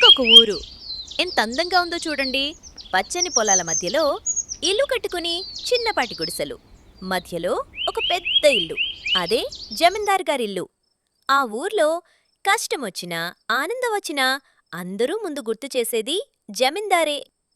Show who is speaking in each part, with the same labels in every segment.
Speaker 1: ఒక ఊరు. ఎంత అందంగా ఉందో చూడండి. పచ్చని పొలాల మధ్యలో ఇల్లు కట్టుకుని చిన్నపాటి గుడిసెలు. మధ్యలో ఒక పెద్ద ఇల్లు. అదే జమీందార్ గారిల్లు. ఆ ఊర్లో కష్టమొచ్చినా ఆనందం వచ్చినా అందరూ ముందు గుర్తు చేసేది జమీందారే.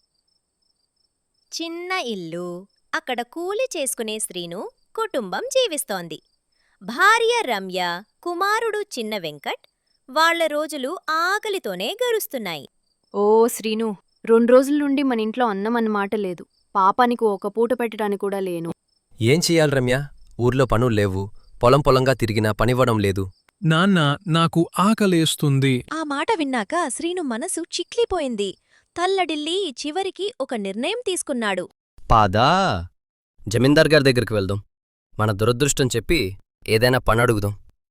Speaker 1: చిన్న ఇల్లు. అక్కడ కూలి చేసుకునే శ్రీను కుటుంబం జీవిస్తోంది. భార్య రమ్య, కుమారుడు చిన్న వెంకట్. వాళ్ళ రోజులు ఆకలితోనే గరుస్తున్నాయి.
Speaker 2: ఓ శ్రీను, 2 రోజుల నుండి మన ఇంట్లో అన్నం అన్నమాట లేదు. పాపానికి ఒక పూట పెట్టడానికి కూడా లేను.
Speaker 3: ఏం చెయ్యాలి రమ్య? ఊర్లో పనుల్లేవు. పొలంగా తిరిగినా పనివ్వడం లేదు.
Speaker 4: నాన్న, నాకు ఆకలేస్తుంది.
Speaker 1: ఆ మాట విన్నాక శ్రీను మనసు చిక్లిపోయింది. తల్లడిల్లి చివరికి ఒక నిర్ణయం తీసుకున్నాడు.
Speaker 3: పాదా జమీందార్ గారి దగ్గరికి వెళ్దాం. మన దురదృష్టం చెప్పి ఏదైనా పని అడుగుదాం.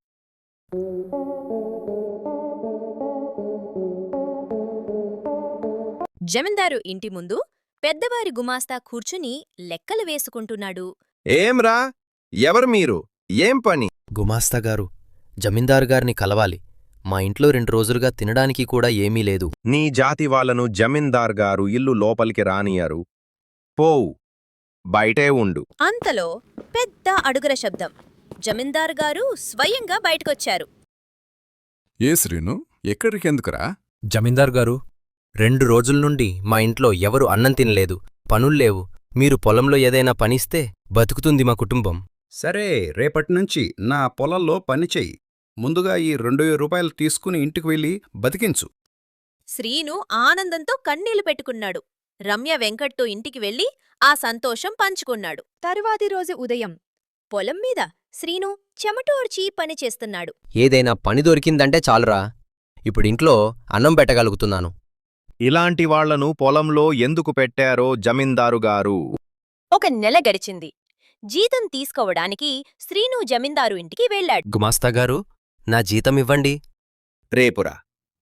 Speaker 1: జమీందారు ఇంటి ముందు పెద్దవారి గుమాస్తా కూర్చుని లెక్కలు వేసుకుంటున్నాడు.
Speaker 5: ఏంరా, ఎవరు మీరు? ఏం పని?
Speaker 3: గుమాస్తా గారు, జమీందారు గారిని కలవాలి. మా ఇంట్లో 2 రోజులుగా తినడానికి కూడా ఏమీ లేదు.
Speaker 5: నీ జాతి వాళ్ళను జమీందార్ గారు ఇల్లు లోపలికి రానియరు. పోవు, బయటే ఉండు.
Speaker 1: అంతలో పెద్ద అడుగుల శబ్దం. జమీందారు గారు స్వయంగా బయటకొచ్చారు.
Speaker 6: ఏ శ్రీను, ఎక్కడికెందుకురా?
Speaker 3: జమీందార్ గారు, 2 రోజుల నుండి మా ఇంట్లో ఎవరు అన్నం తినలేదు. పనుల్లేవు. మీరు పొలంలో ఏదైనా పనిస్తే బతుకుతుంది మా కుటుంబం.
Speaker 7: సరే, రేపటినుంచి నా పొలంలో పనిచెయ్యి. ముందుగా ఈ 2000 రూపాయలు తీసుకుని ఇంటికి వెళ్ళి బతికించు.
Speaker 1: శ్రీను ఆనందంతో కన్నీళ్లు పెట్టుకున్నాడు. రమ్య వెంకట్తో ఇంటికి వెళ్లి ఆ సంతోషం పంచుకున్నాడు. తరువాతి రోజు ఉదయం పొలం మీద శ్రీను చెమటోర్చి పనిచేస్తున్నాడు.
Speaker 3: ఏదైనా పని దొరికిందంటే చాలురా. ఇప్పుడింట్లో అన్నం పెట్టగలుగుతున్నాను.
Speaker 5: ఇలాంటి వాళ్లను పొలంలో ఎందుకు పెట్టారో జమీందారు గారు.
Speaker 1: ఒక నెల గడిచింది. జీతం తీసుకోవడానికి శ్రీను జమీందారు ఇంటికి వెళ్ళాడు.
Speaker 3: గుమాస్తా గారు, నా జీతం ఇవ్వండి.
Speaker 5: రేపురా.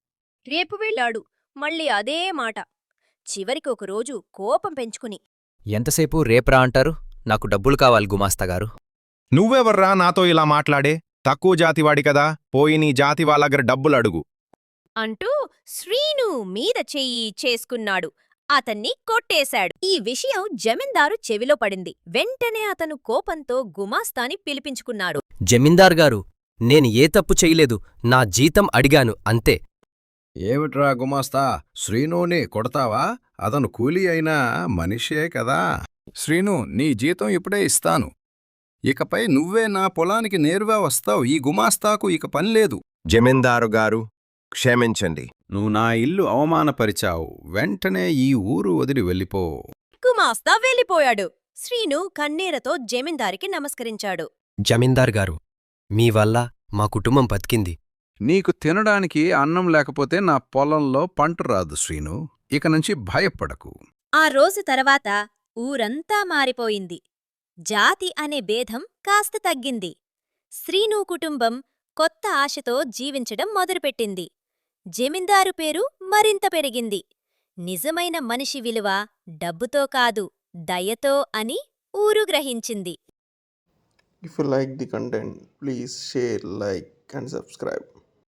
Speaker 1: రేపు వెళ్ళాడు. మళ్ళీ అదే మాట. చివరికి ఒకరోజు కోపం పెంచుకుని,
Speaker 3: ఎంతసేపు రేప్రా అంటారు? నాకు డబ్బులు కావాలి గుమాస్తాగారు.
Speaker 5: నువ్వెవర్రా నాతో ఇలా మాట్లాడే? తక్కువ జాతివాడి కదా, పోయి నీ జాతి వాళ్ళగర డబ్బులడుగు
Speaker 1: అంటూ శ్రీను మీద చెయ్యి చేసుకున్నాడు. అతన్ని కొట్టేశాడు. ఈ విషయం జమీందారు చెవిలో పడింది. వెంటనే అతను కోపంతో గుమాస్తాని పిలిపించుకున్నాడు.
Speaker 3: జమీందార్ గారు, నేను ఏ తప్పు చెయ్యలేదు. నా జీతం అడిగాను అంతే.
Speaker 7: ఏమిట్రా గుమాస్తా, శ్రీనుని కొడతావా? అతను కూలీ అయినా మనిషే కదా.
Speaker 6: శ్రీను, నీ జీతం ఇప్పుడే ఇస్తాను.
Speaker 7: ఇకపై నువ్వే నా పొలానికి నేరుగా వస్తావు. ఈ గుమాస్తాకు ఇక పనిలేదు.
Speaker 5: జమీందారు గారు, క్షమించండి.
Speaker 7: నువ్వు నా ఇల్లు అవమానపరిచావు. వెంటనే ఈ ఊరు వదిలి వెళ్ళిపో.
Speaker 1: గుమాస్తా వెళ్ళిపోయాడు. శ్రీను కన్నీరతో జమీందారికి నమస్కరించాడు.
Speaker 3: జమీందార్ గారు, మీ వల్ల మా కుటుంబం బతికింది.
Speaker 6: నీకు తినడానికి అన్నం లేకపోతే నా పొలంలో పంట రాదు శ్రీను. ఇక నుంచి భయపడకు.
Speaker 1: ఆ రోజు తర్వాత ఊరంతా మారిపోయింది. జాతి అనే భేదం కాస్త తగ్గింది. శ్రీను కుటుంబం కొత్త ఆశతో జీవించడం మొదలుపెట్టింది. జమీందారు పేరు మరింత పెరిగింది. నిజమైన మనిషి విలువ డబ్బుతో కాదు, దయతో అని ఊరు గ్రహించింది.
Speaker 8: If you like the content, please share, like and subscribe.